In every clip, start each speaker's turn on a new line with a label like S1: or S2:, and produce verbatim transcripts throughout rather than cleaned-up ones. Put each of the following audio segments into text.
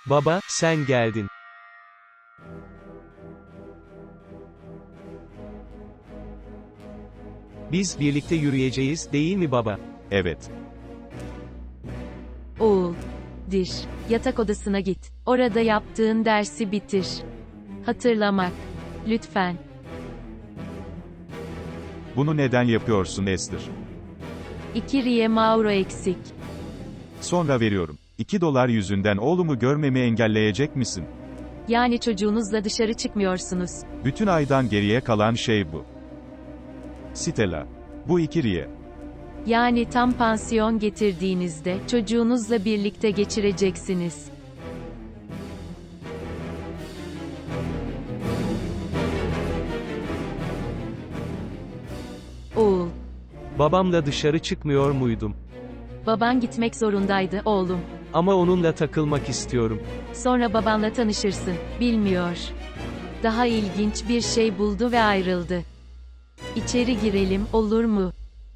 S1: Baba, sen geldin. Biz birlikte yürüyeceğiz, değil mi baba?
S2: Evet.
S3: Oğul. Dir. Yatak odasına git. Orada yaptığın dersi bitir. Hatırlamak. Lütfen.
S2: Bunu neden yapıyorsun Esther?
S3: İki riye Mauro eksik.
S2: Sonra veriyorum. iki dolar yüzünden oğlumu görmemi engelleyecek misin?
S3: Yani çocuğunuzla dışarı çıkmıyorsunuz.
S2: Bütün aydan geriye kalan şey bu. Stella. Bu iki riye.
S3: Yani tam pansiyon getirdiğinizde, çocuğunuzla birlikte geçireceksiniz. Oğul.
S1: Babamla dışarı çıkmıyor muydum?
S3: Baban gitmek zorundaydı, oğlum.
S1: Ama onunla takılmak istiyorum.
S3: Sonra babanla tanışırsın. Bilmiyor. Daha ilginç bir şey buldu ve ayrıldı. İçeri girelim, olur mu?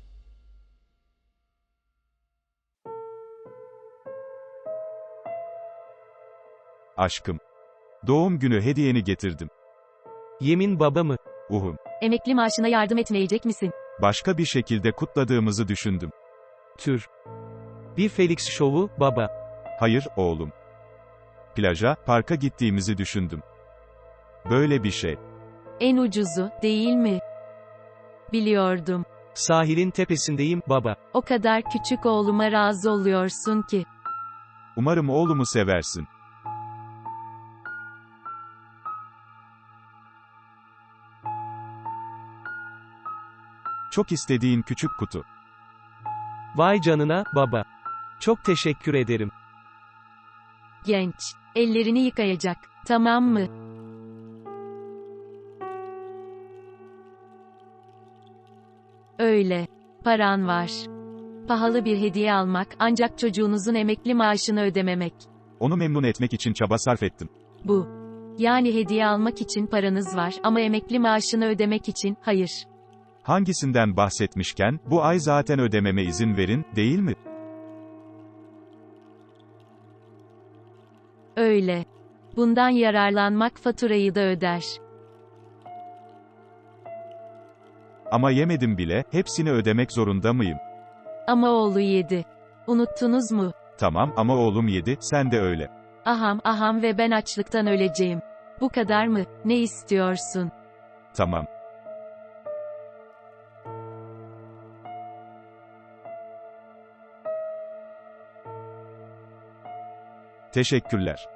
S2: Aşkım. Doğum günü hediyeni getirdim.
S1: Yemin baba mı?
S2: Uhum.
S3: Emekli maaşına yardım etmeyecek misin?
S2: Başka bir şekilde kutladığımızı düşündüm.
S1: Tür. Bir Felix şovu, baba.
S2: Hayır, oğlum. Plaja, parka gittiğimizi düşündüm. Böyle bir şey.
S3: En ucuzu, değil mi? Biliyordum.
S1: Sahilin tepesindeyim, baba.
S3: O kadar küçük oğluma razı oluyorsun ki.
S2: Umarım oğlumu seversin. Çok istediğin küçük kutu.
S1: Vay canına, baba. Çok teşekkür ederim.
S3: Genç. Ellerini yıkayacak. Tamam mı? Öyle. Paran var. Pahalı bir hediye almak, ancak çocuğunuzun emekli maaşını ödememek.
S2: Onu memnun etmek için çaba sarf ettim.
S3: Bu. Yani hediye almak için paranız var ama emekli maaşını ödemek için, hayır.
S2: Hangisinden bahsetmişken, bu ay zaten ödememe izin verin, değil mi?
S3: Öyle. Bundan yararlanmak faturayı da öder.
S2: Ama yemedim bile, hepsini ödemek zorunda mıyım?
S3: Ama oğlu yedi. Unuttunuz mu?
S2: Tamam, ama oğlum yedi, sen de öyle.
S3: Aham aham ve ben açlıktan öleceğim. Bu kadar mı? Ne istiyorsun?
S2: Tamam. Teşekkürler.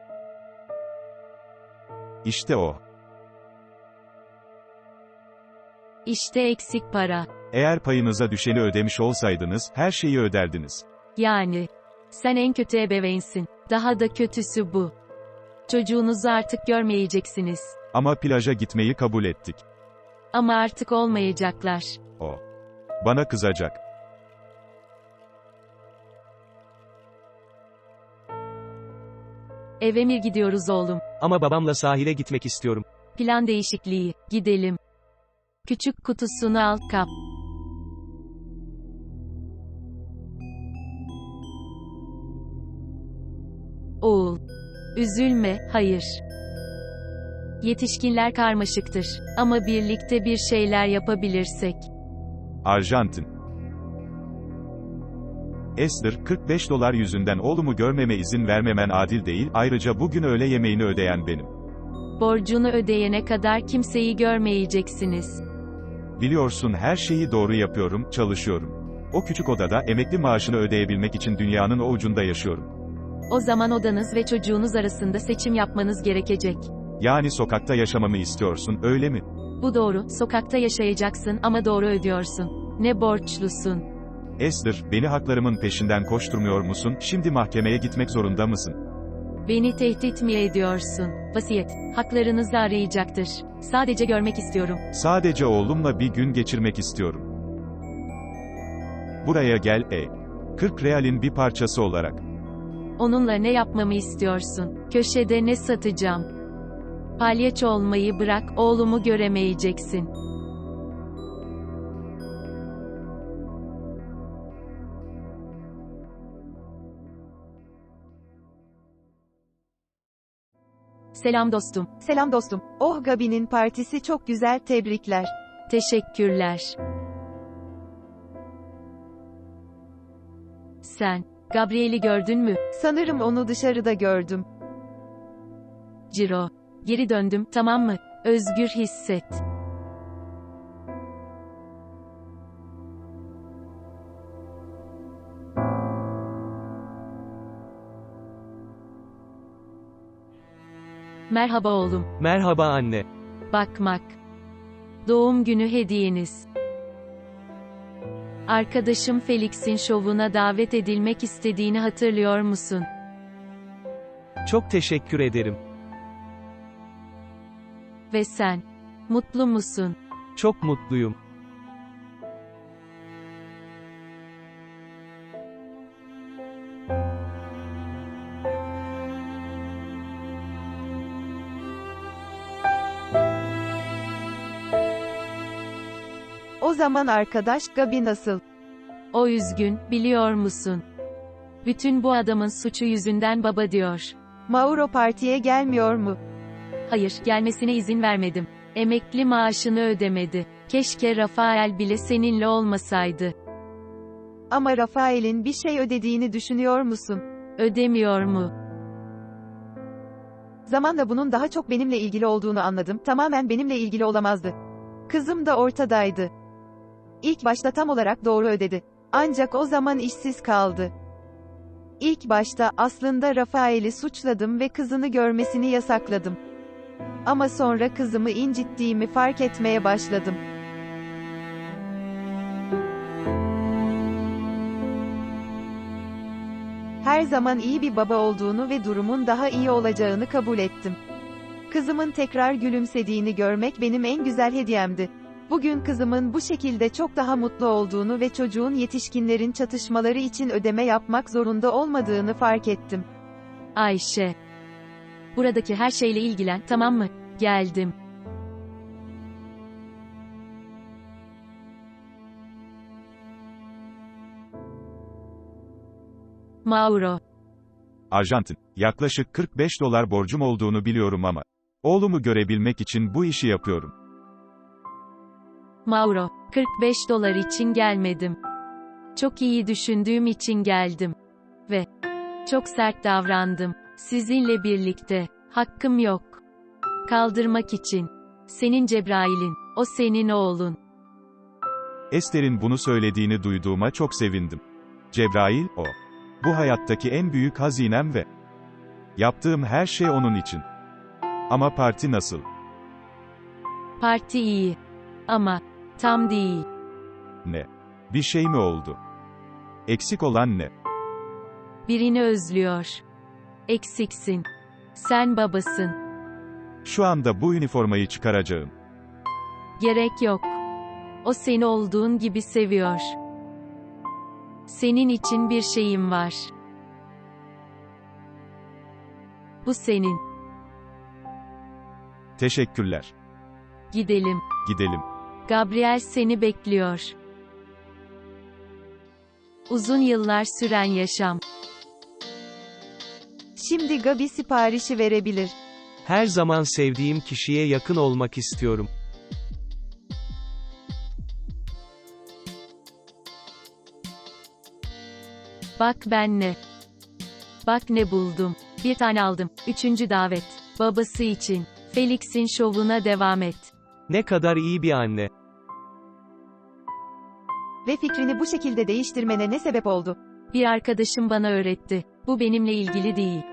S2: İşte o.
S3: İşte eksik para.
S2: Eğer payınıza düşeni ödemiş olsaydınız, her şeyi öderdiniz.
S3: Yani. Sen en kötü ebeveynsin. Daha da kötüsü bu. Çocuğunuzu artık görmeyeceksiniz.
S2: Ama plaja gitmeyi kabul ettik.
S3: Ama artık olmayacaklar.
S2: O. Bana kızacak.
S3: Eve mi gidiyoruz oğlum?
S1: Ama babamla sahile gitmek istiyorum.
S3: Plan değişikliği. Gidelim. Küçük kutusunu al, kap. Oğul. Üzülme, hayır. Yetişkinler karmaşıktır. Ama birlikte bir şeyler yapabilirsek.
S2: Arjantin. Esther, kırk beş dolar yüzünden oğlumu görmeme izin vermemen adil değil, ayrıca bugün öğle yemeğini ödeyen benim.
S3: Borcunu ödeyene kadar kimseyi görmeyeceksiniz.
S2: Biliyorsun her şeyi doğru yapıyorum, çalışıyorum. O küçük odada, emekli maaşını ödeyebilmek için dünyanın o ucunda yaşıyorum.
S3: O zaman odanız ve çocuğunuz arasında seçim yapmanız gerekecek.
S2: Yani sokakta yaşamamı istiyorsun, öyle mi?
S3: Bu doğru, sokakta yaşayacaksın ama doğru ödüyorsun. Ne borçlusun?
S2: Esther, beni haklarımın peşinden koşturmuyor musun, şimdi mahkemeye gitmek zorunda mısın?
S3: Beni tehdit mi ediyorsun? Vasiyet, haklarınızı arayacaktır. Sadece görmek istiyorum.
S2: Sadece oğlumla bir gün geçirmek istiyorum. Buraya gel, ey. kırk realin bir parçası olarak.
S3: Onunla ne yapmamı istiyorsun? Köşede ne satacağım? Palyaço olmayı bırak, oğlumu göremeyeceksin. Selam dostum.
S4: Selam dostum. Oh, Gabi'nin partisi çok güzel, tebrikler.
S3: Teşekkürler. Sen, Gabriel'i gördün mü?
S4: Sanırım onu dışarıda gördüm.
S3: Ciro. Geri döndüm, tamam mı? Özgür hisset. Merhaba oğlum.
S1: Merhaba anne.
S3: Bakmak. Doğum günü hediyeniz. Arkadaşım Felix'in şovuna davet edilmek istediğini hatırlıyor musun?
S1: Çok teşekkür ederim.
S3: Ve sen? Mutlu musun?
S1: Çok mutluyum.
S4: O zaman arkadaş, Gabi nasıl?
S3: O üzgün, biliyor musun? Bütün bu adamın suçu yüzünden baba diyor.
S4: Mauro partiye gelmiyor mu?
S3: Hayır, gelmesine izin vermedim. Emekli maaşını ödemedi. Keşke Rafael bile seninle olmasaydı.
S4: Ama Rafael'in bir şey ödediğini düşünüyor musun?
S3: Ödemiyor mu?
S4: Zamanla bunun daha çok benimle ilgili olduğunu anladım. Tamamen benimle ilgili olamazdı. Kızım da ortadaydı. İlk başta tam olarak doğru ödedi. Ancak o zaman işsiz kaldı. İlk başta aslında Rafael'i suçladım ve kızını görmesini yasakladım. Ama sonra kızımı incittiğimi fark etmeye başladım. Her zaman iyi bir baba olduğunu ve durumun daha iyi olacağını kabul ettim. Kızımın tekrar gülümsediğini görmek benim en güzel hediyemdi. Bugün kızımın bu şekilde çok daha mutlu olduğunu ve çocuğun yetişkinlerin çatışmaları için ödeme yapmak zorunda olmadığını fark ettim.
S3: Ayşe. Buradaki her şeyle ilgilen, tamam mı? Geldim. Mauro.
S2: Arjantin, yaklaşık kırk beş dolar borcum olduğunu biliyorum ama oğlumu görebilmek için bu işi yapıyorum.
S3: Mauro, kırk beş dolar için gelmedim. Çok iyi düşündüğüm için geldim. Ve çok sert davrandım. Sizinle birlikte. Hakkım yok. Kaldırmak için. Senin Cebrail'in. O senin oğlun.
S2: Esther'in bunu söylediğini duyduğuma çok sevindim. Cebrail, o. Bu hayattaki en büyük hazinem ve yaptığım her şey onun için. Ama parti nasıl?
S3: Parti iyi. Ama tam değil.
S2: Ne? Bir şey mi oldu? Eksik olan ne?
S3: Birini özlüyor. Eksiksin. Sen babasın.
S2: Şu anda bu üniformayı çıkaracağım.
S3: Gerek yok. O seni olduğun gibi seviyor. Senin için bir şeyim var. Bu senin.
S2: Teşekkürler.
S3: Gidelim.
S2: Gidelim.
S3: Gabriel seni bekliyor. Uzun yıllar süren yaşam.
S4: Şimdi Gabi siparişi verebilir.
S1: Her zaman sevdiğim kişiye yakın olmak istiyorum.
S3: Bak ben ne. Bak ne buldum. Bir tane aldım. Üçüncü davet. Babası için. Felix'in şovuna devam et.
S1: Ne kadar iyi bir anne.
S4: Ve fikrini bu şekilde değiştirmene ne sebep oldu?
S3: Bir arkadaşım bana öğretti. Bu benimle ilgili değil.